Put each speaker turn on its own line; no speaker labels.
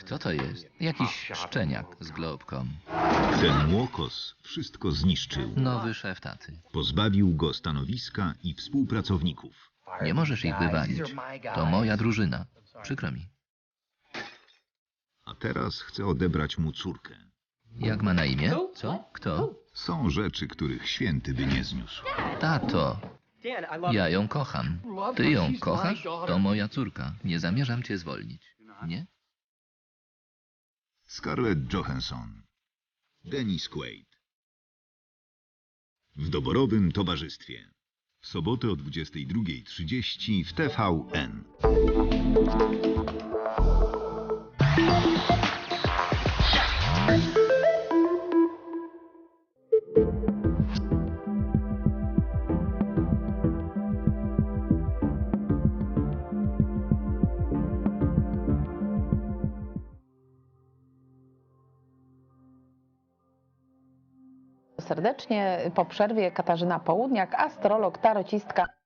Kto to jest? Jakiś szczeniak z Globcom.
Ten młokos wszystko zniszczył.
Nowy szef taty.
Pozbawił go stanowiska i współpracowników.
Nie możesz ich wywalić. To moja drużyna. Przykro mi.
A teraz chce odebrać mu córkę.
Jak ma na imię? Co? Kto?
Są rzeczy, których święty by nie zniósł.
Tato. Ja ją kocham. Ty ją kochasz? To moja córka. Nie zamierzam cię zwolnić. Nie?
Scarlett Johansson. Dennis Quaid. W doborowym towarzystwie. W sobotę o 22:30 w TVN.
Serdecznie po przerwie Katarzyna Południak, astrolog, tarocistka.